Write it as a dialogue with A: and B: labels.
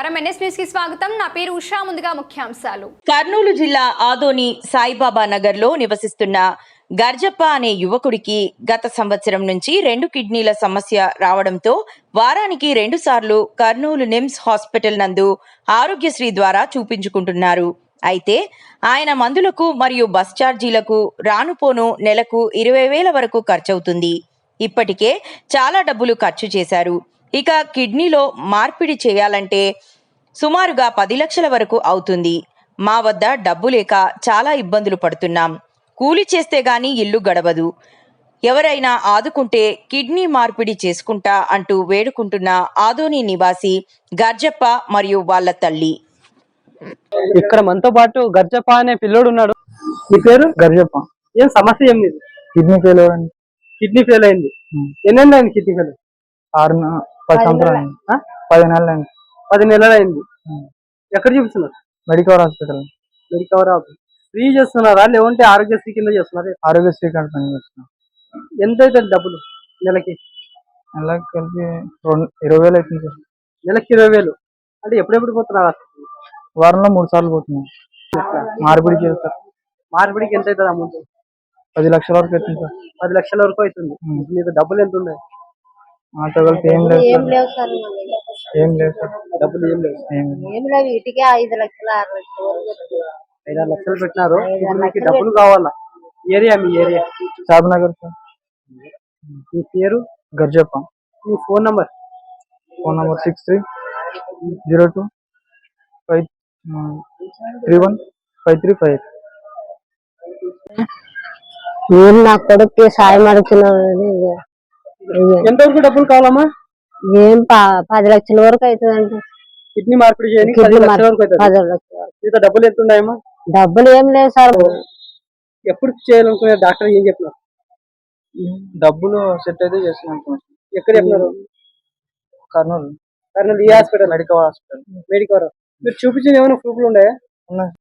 A: నమస్కారం NS news కి స్వాగతం. నా పేరు ఉషా. ముందుగా ముఖ్యాంశాలు.
B: కర్నూలు జిల్లా ఆదోని సాయిబాబా నగర్ లో నివసిస్తున్న గర్జప్ప అనే యువకుడికి గత సంవత్సరం నుంచి 2 కిడ్నీల సమస్య రావడంతో వారానికి 2 సార్లు కర్నూలు నిమ్స్ హాస్పిటల్ నందు ఆరోగ్యశ్రీ ద్వారా చూపించుకుంటున్నారు. అయితే ఆయన మందులకు మరియు బస్ ఛార్జీలకు రానుపోను నెలకు 20,000 వరకు ఖర్చవుతుంది. ఇప్పటికే చాలా డబ్బులు ఖర్చు చేశారు. ఇక కిడ్నీలో మార్పిడి చేయాలంటే సుమారుగా 10 లక్షల వరకు అవుతుంది. మా వద్ద డబ్బు లేక చాలా ఇబ్బందులు పడుతున్నాం. కూలి చేస్తే గాని ఇల్లు గడవదు. ఎవరైనా ఆదుకుంటే కిడ్నీ మార్పిడి చేసుకుంటా అంటూ వేడుకుంటున్న ఆదోని నివాసి గర్జప్ప మరియు వాళ్ళ తల్లి.
C: ఇక్కడ మనతో పాటు గర్జప్ప అనే పిల్లోడు ఉన్నాడు. మీ పేరు?
D: గర్జప్ప.
C: ఏం సమస్య? ఏం లేదు.
D: కిడ్నీ ఫెయిల్ అయింది.
C: కిడ్నీ ఫెయిల్ అయింది. ఎన్ని అయింది కిడ్నీ ఫెయిల్?
D: 10 సంవత్సరాలు అయింది. 10 నెలలు అయింది.
C: 10 నెలలు అయింది. ఎక్కడ చూపిస్తున్నారు?
D: Medicover hospital.
C: మెడికవర్ ఫ్రీ చేస్తున్నారా లేదంటే ఆరోగ్యశ్రీ కింద చేస్తున్నారు?
D: ఆరోగ్యశ్రీ కార్డు పని చేస్తున్నాం.
C: ఎంత అవుతుంది డబ్బులు నెలకి?
D: నెలకి కలిపి 20,000 అవుతుంది సార్.
C: నెలకి 20,000 అంటే ఎప్పుడెప్పుడు పోతున్నారు?
D: వారంలో 3 సార్లు పోతున్నాం. మార్పిడి చేస్తారు.
C: మార్పిడికి ఎంత అవుతుంది అమౌంట్?
D: 10 లక్షల వరకు అవుతుంది సార్.
C: 10 లక్షల వరకు అవుతుంది. మీకు డబ్బులు ఎంత ఉన్నాయి?
D: కలిపి ఏం లేదు సార్. ఏం లేదు సార్.
C: డబ్బులు ఏం లేవు.
E: వీటికే 5 లక్షలు 6 లక్షలు
C: 5-6 లక్షలు పెట్టినారు. మీకు డబ్బులు కావాలా? ఏరియా మీ ఏరియా?
D: సాబనగర్ సార్.
C: మీ పేరు?
D: గర్జప్ప.
C: మీ ఫోన్ నంబర్?
D: 6302 315358.
E: నేను నా కొడుకు సాయం అడుగుతున్నాను.
C: ఎంతవరకు డబ్బులు కావాలమ్మా?
E: ఏం 10 లక్షల వరకు అవుతుంది అంటే
C: కిడ్నీ మార్పిడి చేయడానికి 10 లక్షల వరకు అవుతుంది.
E: 10 లక్షలు.
C: ఇంత డబ్బులు ఎంత ఉన్నాయమ్మా?
E: డబ్బులు ఏం లేదు సార్.
C: ఎప్పుడు చేయాలనుకునే డాక్టర్ ఏం చెప్పినారు?
D: డబ్బులు సెట్ అయితే చేస్తున్నాం.
C: ఎక్కడ చెప్పినారు?
D: కర్నూలు.
C: కర్నూలు ఈ హాస్పిటల్?
D: Medicover hospital.
C: మెడికవర్. మీరు చూపించిన ఏమైనా ప్రూఫ్లు ఉన్నాయా?
D: ఉన్నాయి.